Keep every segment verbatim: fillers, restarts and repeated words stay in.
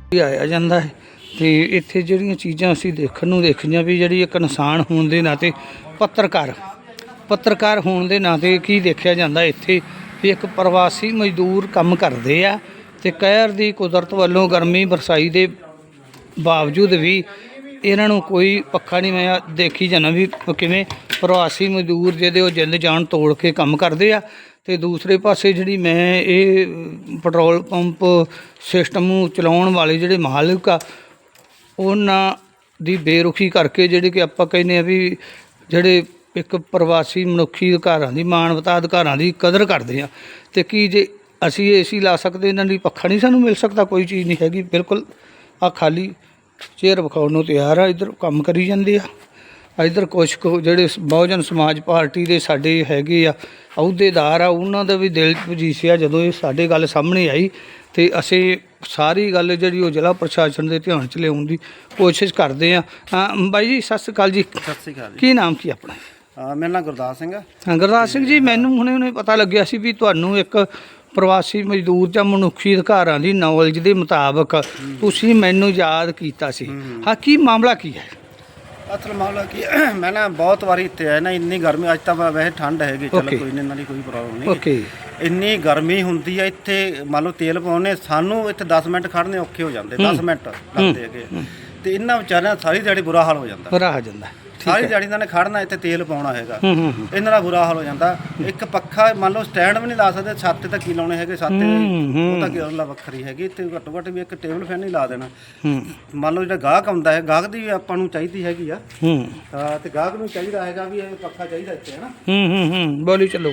ਆਇਆ ਜਾਂਦਾ ਹੈ ਤੇ ਇੱਥੇ ਜਿਹੜੀਆਂ ਚੀਜ਼ਾਂ ਅਸੀਂ ਦੇਖਣ ਨੂੰ ਦੇਖੀਆਂ ਵੀ ਜਿਹੜੀ ਇੱਕ ਇਨਸਾਨ ਹੋਣ ਦੇ ਨਾਤੇ ਪੱਤਰਕਾਰ ਪੱਤਰਕਾਰ ਹੋਣ ਦੇ ਨਾਤੇ ਕੀ ਦੇਖਿਆ ਜਾਂਦਾ ਇੱਥੇ ਵੀ ਇੱਕ ਪ੍ਰਵਾਸੀ ਮਜ਼ਦੂਰ ਕੰਮ ਕਰਦੇ ਆ ਤੇ ਕਹਿਰ ਦੀ ਕੁਦਰਤ ਵੱਲੋਂ ਗਰਮੀ ਬਰਸਾਈ ਦੇ ਬਾਵਜੂਦ ਵੀ ਇਹਨਾਂ ਨੂੰ ਕੋਈ ਪੱਖਾ ਨਹੀਂ। ਮੈਂ ਦੇਖੀ ਜਾਂਦਾ ਵੀ ਕਿਵੇਂ ਪ੍ਰਵਾਸੀ ਮਜ਼ਦੂਰ ਜਿਹਦੇ ਉਹ ਜਿੰਦ ਜਾਨ ਤੋੜ ਕੇ ਕੰਮ ਕਰਦੇ ਆ ਤੇ ਦੂਸਰੇ ਪਾਸੇ ਜਿਹੜੀ ਮੈਂ ਇਹ ਪੈਟਰੋਲ ਪੰਪ ਸਿਸਟਮ ਨੂੰ ਚਲਾਉਣ ਵਾਲੇ ਜਿਹੜੇ ਮਾਲਕ ਆ ਉਹਨਾਂ ਦੀ ਬੇਰੁਖੀ ਕਰਕੇ ਜਿਹੜੇ ਕਿ ਆਪਾਂ ਕਹਿੰਦੇ ਆ ਵੀ ਜਿਹੜੇ ਇੱਕ ਪ੍ਰਵਾਸੀ ਮਨੁੱਖੀ ਅਧਿਕਾਰਾਂ ਦੀ ਮਾਨਵਤਾ ਅਧਿਕਾਰਾਂ ਦੀ ਕਦਰ ਕਰਦੇ ਆ ਤੇ ਕੀ ਜੇ ਅਸੀਂ ਏ ਸੀ ਲਾ ਸਕਦੇ ਇਹਨਾਂ ਲਈ ਪੱਖਾ ਨਹੀਂ ਸਾਨੂੰ ਮਿਲ ਸਕਦਾ? ਕੋਈ ਚੀਜ਼ ਨਹੀਂ ਹੈਗੀ ਬਿਲਕੁਲ। ਆ ਖਾਲੀ ਚੇਅਰ ਵਿਖਾਉਣ ਨੂੰ ਤਿਆਰ ਆ। ਇੱਧਰ ਕੰਮ ਕਰੀ ਜਾਂਦੇ ਆ। ਇੱਧਰ ਕੁਛ ਕੁ ਜਿਹੜੇ ਬਹੁਜਨ ਸਮਾਜ ਪਾਰਟੀ ਦੇ ਸਾਡੇ ਹੈਗੇ ਆ ਅਹੁਦੇਦਾਰ ਆ ਉਹਨਾਂ ਦਾ ਵੀ ਦਿਲ ਪੁਜੀਸਿਆ ਜਦੋਂ ਇਹ ਸਾਡੇ ਗੱਲ ਸਾਹਮਣੇ ਆਈ ਤੇ ਅਸੀਂ ਸਾਰੀ ਗੱਲ ਜਿਹੜੀ ਉਹ ਜ਼ਿਲ੍ਹਾ ਪ੍ਰਸ਼ਾਸਨ ਦੇ ਧਿਆਨ 'ਚ ਲਿਆਉਣ ਦੀ ਕੋਸ਼ਿਸ਼ ਕਰਦੇ ਆ। ਬਾਈ ਜੀ ਸਤਿ ਸ਼੍ਰੀ ਅਕਾਲ ਜੀ। ਸਤਿ ਸ਼੍ਰੀ ਅਕਾਲ ਜੀ। ਕੀ ਨਾਮ ਕੀ ਆਪਣਾ? ਮੇਰਾ ਨਾਮ ਗੁਰਦਾਸ ਸਿੰਘ ਆ। ਹਾਂ ਗੁਰਦਾਸ ਸਿੰਘ ਜੀ, ਮੈਨੂੰ ਹੁਣੇ ਹੁਣੇ ਪਤਾ ਲੱਗਿਆ ਸੀ ਵੀ ਤੁਹਾਨੂੰ ਇੱਕ ਪ੍ਰਵਾਸੀ ਮਜ਼ਦੂਰ ਜਾਂ ਮਨੁੱਖੀ ਅਧਿਕਾਰਾਂ ਦੀ ਨੌਲੇਜ ਦੇ ਮੁਤਾਬਕ ਤੁਸੀਂ ਮੈਨੂੰ ਯਾਦ ਕੀਤਾ ਸੀ। ਹਾਂ, ਕੀ ਮਾਮਲਾ ਕੀ ਹੈ? ਅਸਲ ਮਾਮਲਾ ਕੀ ਮੈਂ ਨਾ ਬਹੁਤ ਵਾਰੀ ਇੱਥੇ ਆਇਆ ਨਾ, ਇੰਨੀ ਗਰਮੀ ਅੱਜ ਤਾਂ ਵੈਸੇ ਠੰਡ ਹੈਗੀ, ਚਲੋ ਕੋਈ ਨਹੀਂ, ਇਹਨਾਂ ਦੀ ਕੋਈ ਪ੍ਰੋਬਲਮ ਨਹੀਂ। ਓਕੇ। ਇੰਨੀ ਗਰਮੀ ਹੁੰਦੀ ਆ ਇੱਥੇ, ਮੰਨ ਲਓ ਤੇਲ ਪਾਉਣੇ ਸਾਨੂੰ ਇੱਥੇ ਦਸ ਮਿੰਟ ਖੜ੍ਹਨੇ ਔਖੇ ਹੋ ਜਾਂਦੇ, ਦਸ ਮਿੰਟ ਲੱਗਦੇ ਹੈਗੇ ਤੇ ਇਹਨਾਂ ਵਿਚਾਰਿਆਂ ਦਾ ਸਾਰੀ ਦਿਹਾੜੀ ਬੁਰਾ ਹਾਲ ਹੋ ਜਾਂਦਾ। ਬੁਰਾ ਹੋ ਜਾਂਦਾ ਸਾਰੀ ਦਿਹਾੜੀ ਇਹਨਾਂ ਨੇ ਖੜਨਾ ਇੱਥੇ ਤੇਲ ਪਾਉਣਾ ਹੈਗਾ, ਇਹਨਾਂ ਦਾ ਬੁਰਾ ਹਾਲ ਹੋ ਜਾਂਦਾ। ਇੱਕ ਪੱਖਾ ਮੰਨ ਲਓ ਸਟੈਂਡ ਵੀ ਨਹੀਂ ਲਾ ਸਕਦੇ, ਛੱਤ ਤਾਂ ਕੀ ਲਾਉਣੇ ਹੈਗੇ, ਛੱਤ ਉਹ ਤਾਂ ਗੱਲ ਵੱਖਰੀ ਹੈਗੀ। ਇੱਥੇ ਘੱਟੋ ਘੱਟ ਵੀ ਇੱਕ ਟੇਬਲ ਫੈਨ ਨਹੀਂ ਲਾ ਦੇਣਾ। ਮੰਨ ਲਓ ਜਿਹੜਾ ਗਾਹਕ ਆਉਂਦਾ ਹੈ, ਗਾਹਕ ਦੀ ਵੀ ਆਪਾਂ ਨੂੰ ਚਾਹੀਦੀ ਹੈਗੀ ਆ ਤੇ ਗਾਹਕ ਨੂੰ ਚਾਹੀਦਾ ਹੈਗਾ ਵੀ ਇਹ ਪੱਖਾ ਚਾਹੀਦਾ ਇੱਥੇ, ਹੈ ਨਾ। ਹੂੰ ਹੂੰ ਹੂੰ ਬੋਲੀ ਚੱਲੋ।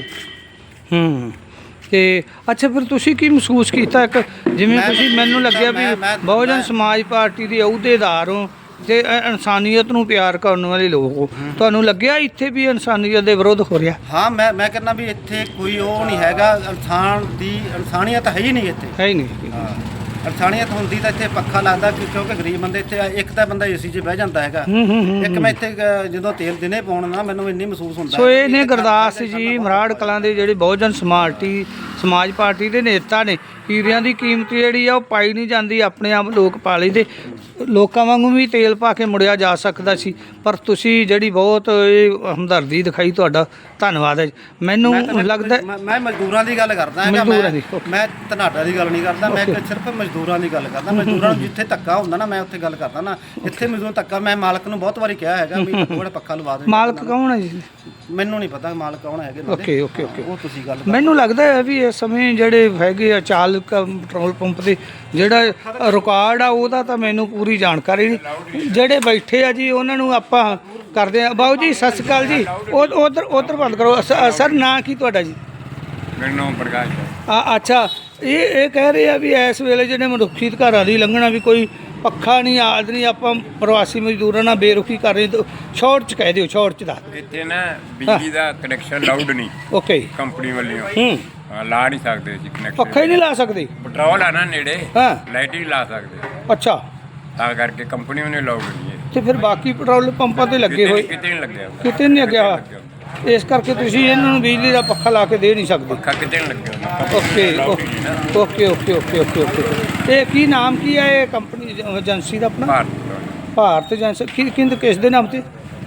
ਹੂੰ ਤੇ ਅੱਛਾ, ਫਿਰ ਤੁਸੀਂ ਕੀ ਮਹਿਸੂਸ ਕੀਤਾ? ਇੱਕ ਜਿਵੇਂ ਤੁਸੀਂ ਮੈਨੂੰ ਲੱਗਿਆ ਵੀ ਬਹੁਜਨ ਸਮਾਜ ਪਾਰਟੀ ਦੇ ਅਹੁਦੇਦਾਰ ਹੋ ਤੇ ਇਨਸਾਨੀਅਤ ਨੂੰ ਪਿਆਰ ਕਰਨ ਵਾਲੇ ਲੋਕ ਹੋ, ਤੁਹਾਨੂੰ ਲੱਗਿਆ ਇੱਥੇ ਵੀ ਇਨਸਾਨੀਅਤ ਦੇ ਵਿਰੁੱਧ ਹੋ ਰਿਹਾ? ਹਾਂ, ਮੈਂ ਮੈਂ ਕਹਿੰਦਾ ਵੀ ਇੱਥੇ ਕੋਈ ਉਹ ਨਹੀਂ ਹੈਗਾ, ਇਨਸਾਨ ਦੀ ਇਨਸਾਨੀਅਤ ਹੈ ਹੀ ਨਹੀਂ ਇੱਥੇ, ਹੈ ਹੀ ਨਹੀਂ। ਹਾਂ, ਇਨਸਾਨੀਅਤ ਹੁੰਦੀ ਤਾਂ ਇੱਥੇ ਪੱਖਾ ਲੱਗਦਾ ਕਿਉਂਕਿ ਗਰੀਬ ਬੰਦੇ ਇੱਥੇ ਇੱਕ ਤਾਂ ਬੰਦਾ ਏ ਸੀ 'ਚ ਬਹਿ ਜਾਂਦਾ ਹੈਗਾ। ਇੱਕ ਮੈਂ ਇੱਥੇ ਜਦੋਂ ਤੇਲ ਦਿਨੇ ਪਾਉਣ ਨਾ ਮੈਨੂੰ ਇੰਨੀ ਮਹਿਸੂਸ ਹੁੰਦਾ। ਸੋ ਇਹ ਨੇ ਗੁਰਦਾਸ ਜੀ ਮਰਾੜ ਕਲਾਂ ਦੇ ਜਿਹੜੇ ਬਹੁਜਨ ਸਮਾਰਟੀ ਸਮਾਜ ਪਾਰਟੀ ਦੇ ਨੇਤਾ ਨੇ। ਹੀਰਿਆਂ ਦੀ ਕੀਮਤ ਜਿਹੜੀ ਆ ਉਹ ਪਾਈ ਨਹੀਂ ਜਾਂਦੀ, ਆਪਣੇ ਆਪ ਲੋਕ ਪਾ ਲਈਦੇ। ਲੋਕਾਂ ਵਾਂਗੂ ਵੀ ਤੇਲ ਪਾ ਕੇ ਮੁੜਿਆ ਜਾ ਸਕਦਾ ਸੀ, ਪਰ ਤੁਸੀਂ ਜਿਹੜੀ ਬਹੁਤ ਇਹ ਹਮਦਰਦੀ ਦਿਖਾਈ, ਤੁਹਾਡਾ ਧੰਨਵਾਦ ਹੈ। ਮੈਨੂੰ ਲੱਗਦਾ ਮੈਂ ਮਜ਼ਦੂਰਾਂ ਦੀ ਗੱਲ ਕਰਦਾ ਹੈਗਾ, ਮੈਂ ਧਨਾਟਾ ਦੀ ਗੱਲ ਨਹੀਂ ਕਰਦਾ, ਮੈਂ ਸਿਰਫ ਮਜ਼ਦੂਰਾਂ ਦੀ ਗੱਲ ਕਰਦਾ। ਮਜ਼ਦੂਰਾਂ ਨੂੰ ਜਿੱਥੇ ਧੱਕਾ ਹੁੰਦਾ ਨਾ ਮੈਂ ਉੱਥੇ ਗੱਲ ਕਰਦਾ ਨਾ, ਇੱਥੇ ਮਜ਼ਦੂਰ ਧੱਕਾ। ਮੈਂ ਮਾਲਕ ਨੂੰ ਬਹੁਤ ਵਾਰੀ ਕਿਹਾ ਹੈਗਾ ਵੀ ਥੋੜਾ ਪੱਖਾ ਲਵਾ ਦੇ। ਮਾਲਕ ਕੌਣ ਹੈ ਜੀ? ਮੈਨੂੰ ਨਹੀਂ ਪਤਾ ਮਾਲਕ ਕੌਣ ਹੈਗੇ। ਓਕੇ ਓਕੇ ਓਕੇ, ਉਹ ਤੁਸੀਂ ਗੱਲ। ਮੈਨੂੰ ਲੱਗਦਾ ਹੈ ਵੀ ਇਸ ਸਮੇਂ ਜਿਹੜੇ ਹੈਗੇ ਆ ਚਾਲਕ ਪੈਟਰੋਲ ਪੰਪ ਦੇ ਜਿਹੜਾ ਰਿਕਾਰਡ ਆ ਉਹਦਾ ਤਾਂ ਮੈਨੂੰ ਪੂਰੀ ਜਾਣਕਾਰੀ ਨਹੀਂ। ਜਿਹੜੇ ਬੈਠੇ ਆ ਜੀ ਉਹਨਾਂ ਨੂੰ ਆਪਾਂ ਕਰਦੇ ਆ। ਬਾਊ ਜੀ ਸਤਿ ਸ਼੍ਰੀ ਅਕਾਲ ਜੀ। ਉਧਰ ਉਧਰ ਬੰਦ ਕਰੋ। ਸਰ ਨਾਂ ਕੀ ਤੁਹਾਡਾ ਜੀ? ਮੇਰਾ ਨਾਮ ਪ੍ਰਕਾਸ਼ ਹੈ। ਆ ਅੱਛਾ, ਇਹ ਇਹ ਕਹਿ ਰਹੇ ਆ ਵੀ ਇਸ ਵੇਲੇ ਜਿਹੜੇ ਮਨੁੱਖੀ ਅਧਿਕਾਰਾਂ ਦੀ ਲੰਘਣਾ ਵੀ ਕੋਈ ਪੱਖਾ ਨਹੀਂ, ਆਦ ਨਹੀਂ, ਆਪਾਂ ਪ੍ਰਵਾਸੀ ਮਜ਼ਦੂਰਾਂ ਨਾਲ ਬੇਰੁਖੀ ਕਰ ਰਹੇ। ਸ਼ਾਰਟ 'ਚ ਕਹਿ ਦਿਓ, ਸ਼ਾਰਟ 'ਚ ਦੱਸ। ਇੱਥੇ ਨਾ ਬਿਜਲੀ ਦਾ ਕਨੈਕਸ਼ਨ ਲਾਊਡ ਨਹੀਂ। ਓਕੇ। ਕੰਪਨੀ ਵੱਲੋਂ ਹੂੰ ਲਾ ਨਹੀਂ ਸਕਦੇ ਜੀ ਕਨੈਕਸ਼ਨ। ਪੱਖਾ ਹੀ ਨਹੀਂ ਲਾ ਸਕਦੇ? ਪੈਟਰੋਲ ਆ ਨਾ ਨੇੜੇ, ਹਾਂ, ਲਾਈਟ ਹੀ ਲਾ ਸਕਦੇ। ਅੱਛਾ, ਤਾਂ ਕਰਕੇ ਕੰਪਨੀ ਵੱਲੋਂ ਲਾਊਡ ਨਹੀਂ ਹੈ। ਤੇ ਫਿਰ ਬਾਕੀ ਪੈਟਰੋਲ ਪੰਪਾਂ ਤੇ ਲੱਗੇ ਹੋਏ ਕਿਤੇ ਨਹੀਂ ਲੱਗਿਆ, ਕਿਤੇ ਨਹੀਂ ਲੱਗਿਆ। ਇਸ ਕਰਕੇ ਤੁਸੀਂ ਇਹਨਾਂ ਨੂੰ ਬਿਜਲੀ ਦਾ ਪੱਖਾ ਲਾ ਕੇ ਦੇ ਨਹੀਂ ਸਕਦੇ। ਪੱਖਾ ਕਿਤੇ ਨਹੀਂ ਲੱਗਿਆ। Okay okay okay okay okay okay. ਇਹ ਕੀ ਨਾਮ ਕੀ ਹੈ ਇਹ ਕੰਪਨੀ ਏਜੰਸੀ ਦਾ ਆਪਣਾ? ਭਾਰਤ ਭਾਰਤ ਏਜੰਸੀ। ਕਿ ਕਿੰਦ ਕਿਸ ਦੇ ਨਾਮ ਤੇ?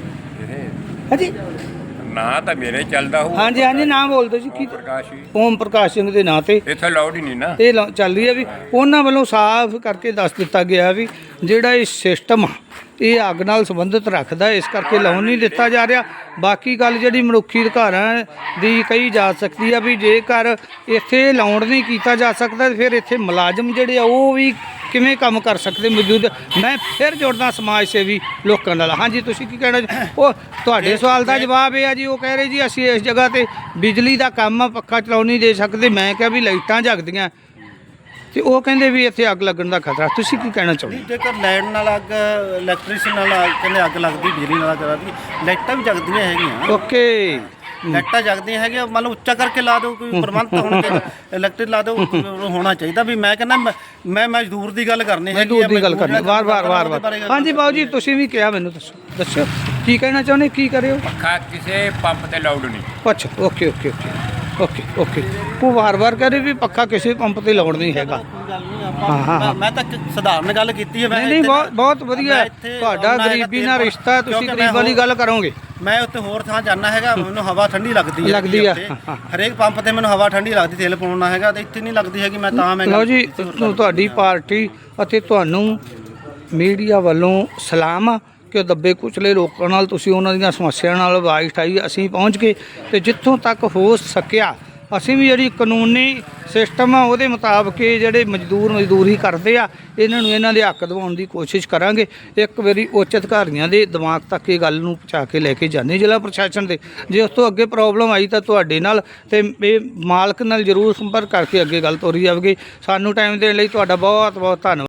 ਹਾਂਜੀ, ਨਾਂ ਤਾਂ ਮੇਰੇ ਚੱਲਦਾ ਹੋ। ਹਾਂਜੀ ਹਾਂਜੀ, ਨਾਮ ਬੋਲ ਦਿਓ ਜੀ। ਕੀ? ਪ੍ਰਕਾਸ਼ ਜੀ। ਓਮ ਪ੍ਰਕਾਸ਼ ਸਿੰਘ ਦੇ ਨਾਂ ਤੇ ਇੱਥੇ ਲਾਊਡ ਹੀ ਨਹੀਂ ਨਾ। ਇਹ ਲਾ- ਚੱਲ ਰਹੀ ਹੈ ਵੀ ਉਹਨਾਂ ਵੱਲੋਂ ਸਾਫ਼ ਕਰਕੇ ਦੱਸ ਦਿੱਤਾ ਗਿਆ ਵੀ ਜਿਹੜਾ ਇਹ ਸਿਸਟਮ ਆ ਇਹ ਅੱਗ ਨਾਲ ਸੰਬੰਧਿਤ ਰੱਖਦਾ, ਇਸ ਕਰਕੇ ਲਾਉਣ ਨਹੀਂ ਦਿੱਤਾ ਜਾ ਰਿਹਾ। ਬਾਕੀ ਗੱਲ ਜਿਹੜੀ ਮਨੁੱਖੀ ਅਧਿਕਾਰਾਂ ਦੀ ਕਹੀ ਜਾ ਸਕਦੀ ਆ ਵੀ ਜੇਕਰ ਇੱਥੇ ਲਾਉਣ ਨਹੀਂ ਕੀਤਾ ਜਾ ਸਕਦਾ ਫਿਰ ਇੱਥੇ ਮੁਲਾਜ਼ਮ ਜਿਹੜੇ ਆ ਉਹ ਵੀ ਕਿਵੇਂ ਕੰਮ ਕਰ ਸਕਦੇ ਮੌਜੂਦ। ਮੈਂ ਫਿਰ ਜੁੜਦਾ ਸਮਾਜ ਸੇਵੀ ਲੋਕਾਂ ਨਾਲ। ਹਾਂਜੀ, ਤੁਸੀਂ ਕੀ ਕਹਿਣਾ? ਉਹ ਤੁਹਾਡੇ ਸਵਾਲ ਦਾ ਜਵਾਬ ਇਹ ਆ ਜੀ, ਉਹ ਕਹਿ ਰਹੇ ਜੀ ਅਸੀਂ ਇਸ ਜਗ੍ਹਾ 'ਤੇ ਬਿਜਲੀ ਦਾ ਕੰਮ ਆ, ਪੱਖਾ ਚਲਾਉਣ ਨਹੀਂ ਦੇ ਸਕਦੇ। ਮੈਂ ਕਿਹਾ ਵੀ ਲਾਈਟਾਂ ਜਗਦੀਆਂ ਤੇ ਉਹ ਕਹਿੰਦੇ ਵੀ ਇੱਥੇ ਅੱਗ ਲੱਗਣ ਦਾ ਖਤਰਾ। ਤੁਸੀਂ ਕੀ ਕਹਿਣਾ ਚਾਹੁੰਦੇ? ਜੇਕਰ ਲਾਈਟ ਨਾਲ ਅੱਗ, ਇਲੈਕਟ੍ਰੀਸ਼ਨ ਨਾਲ ਕਹਿੰਦੇ ਅੱਗ ਲੱਗਦੀ, ਬਿਜਲੀ ਨਾਲ ਅੱਗ ਲੱਗਦੀ, ਲਾਈਟਾਂ ਵੀ ਜਗਦੀਆਂ ਹੈਗੀਆਂ। ਓਕੇ, ਲਾਈਟਾਂ ਜਗਦੀਆਂ ਹੈਗੀਆਂ, ਮੰਨ ਲਓ ਉੱਚਾ ਕਰਕੇ ਲਾ ਦਿਓ, ਕੋਈ ਪ੍ਰਬੰਧ ਹੋਣਾ ਚਾਹੀਦਾ, ਇਲੈਕਟ੍ਰਿਕ ਲਾ ਦਿਓ, ਹੋਣਾ ਚਾਹੀਦਾ ਵੀ। ਮੈਂ ਕਹਿੰਦਾ ਮੈਂ ਮਜ਼ਦੂਰ ਦੀ ਗੱਲ ਕਰਨੀ ਹੈ, ਮਜ਼ਦੂਰ ਦੀ ਗੱਲ ਕਰਨੀ ਵਾਰ ਵਾਰ ਵਾਰ ਵਾਰ। ਹਾਂਜੀ ਬਾਊ ਜੀ, ਤੁਸੀਂ ਵੀ ਕਿਹਾ, ਮੈਨੂੰ ਦੱਸੋ ਦੱਸੋ ਕੀ ਕਹਿਣਾ ਚਾਹੁੰਦੇ, ਕੀ ਕਰਿਓ? ਪੱਖਾ ਕਿਸੇ ਪੰਪ ਤੇ ਲਾਊਡ ਨਹੀਂ। ਅੱਛਾ, okay okay okay. Okay okay ਉਹ ਵਾਰ-ਵਾਰ ਕਹ ਰਹੇ ਵੀ ਪੱਖਾ ਕਿਸੇ ਪੰਪ ਤੇ ਲਾਉਣ ਨਹੀਂ ਹੈਗਾ। ਹਾਂ, ਹਾਂ, ਹਾਂ। ਮੈਂ ਤਾਂ ਇੱਕ ਸਧਾਰਨ ਗੱਲ ਕੀਤੀ ਹੈ। ਮੈਂ ਨਹੀਂ ਨਹੀਂ ਇੱਥੇ ਬਹੁਤ ਨਾ- ਬਹੁਤ ਵਧੀਆ ਮੈਂ ਹੈ। ਇੱਥੇ ਤੁਹਾਡਾ ਆਉਣਾ ਹੈਗਾ ਗਰੀਬੀ ਤੇਲ ਨਾਲ ਪਾਉਣ- ਰਿਸ਼ਤਾ, ਤੁਸੀਂ ਕਿਉਂਕਿ ਗਰੀਬ ਮੈਂ ਵਾਲੀ ਗੱਲ ਕਰੋਗੇ। ਮੈਂ ਉੱਥੇ ਹੋਰ ਥਾਂ ਜਾਣਾ ਹੈਗਾ, ਮੈਨੂੰ ਹਵਾ ਠੰਡੀ ਲੱਗਦੀ ਹੈ ਲੱਗਦੀ ਆ। ਉੱਥੇ। ਹਾਂ, ਹਾਂ। ਹਰੇਕ ਪੰਪ ਤੇ ਮੈਨੂੰ ਹਵਾ ਠੰਡੀ ਲੱਗਦੀ, ਤੇਲ ਪਾਉਣਾ ਹੈਗਾ ਤੇ ਇੱਥੇ ਨਹੀਂ ਲੱਗਦੀ ਹੈਗੀ। ਮੈਂ ਤਾਂ ਮੈਂ ਲਓ ਗੱਲ ਜੀ, ਕੀਤੀ ਸੀ। ਤੁ- ਤੁਹਾਡੀ ਪਾਰਟੀ ਅਤੇ ਤੁਹਾਨੂੰ ਮੀਡੀਆ ਵੱਲੋਂ ਸਲਾਮ ਆ ਕਿ ਦੱਬੇ ਕੁਚਲੇ ਲੋਕਾਂ ਨਾਲ ਤੁਸੀਂ ਉਹਨਾਂ ਦੀਆਂ ਸਮੱਸਿਆਵਾਂ ਨਾਲ ਆਵਾਜ਼ ਉਠਾਈ। ਅਸੀਂ ਪਹੁੰਚ ਕੇ ਤੇ ਜਿੱਥੋਂ ਤੱਕ ਹੋ ਸਕਿਆ ਅਸੀਂ ਵੀ ਜਿਹੜੀ ਕਾਨੂੰਨੀ ਸਿਸਟਮ ਆ ਉਹਦੇ ਮੁਤਾਬਕ ਇਹ ਜਿਹੜੇ ਮਜ਼ਦੂਰ ਮਜ਼ਦੂਰੀ ਕਰਦੇ ਆ ਇਹਨਾਂ ਨੂੰ ਇਹਨਾਂ ਦੇ ਹੱਕ ਦਿਵਾਉਣ ਦੀ ਕੋਸ਼ਿਸ਼ ਕਰਾਂਗੇ। ਇੱਕ ਵਾਰੀ ਉੱਚ ਅਧਿਕਾਰੀਆਂ ਦੇ ਦਿਮਾਗ ਤੱਕ ਇਹ ਗੱਲ ਨੂੰ ਪਹੁੰਚਾ ਕੇ ਲੈ ਕੇ ਜਾਂਦੇ ਜ਼ਿਲ੍ਹਾ ਪ੍ਰਸ਼ਾਸਨ ਦੇ। ਜੇ ਉਸ ਤੋਂ ਅੱਗੇ ਪ੍ਰੋਬਲਮ ਆਈ ਤਾਂ ਤੁਹਾਡੇ ਨਾਲ ਤੇ ਇਹ ਮਾਲਕ ਨਾਲ ਜ਼ਰੂਰ ਸੰਪਰਕ ਕਰਕੇ ਅੱਗੇ ਗੱਲ ਤੋਰੀ ਜਾਵੇਗੀ। ਸਾਨੂੰ ਟਾਈਮ ਦੇਣ ਲਈ ਤੁਹਾਡਾ ਬਹੁਤ ਬਹੁਤ ਧੰਨਵਾਦ।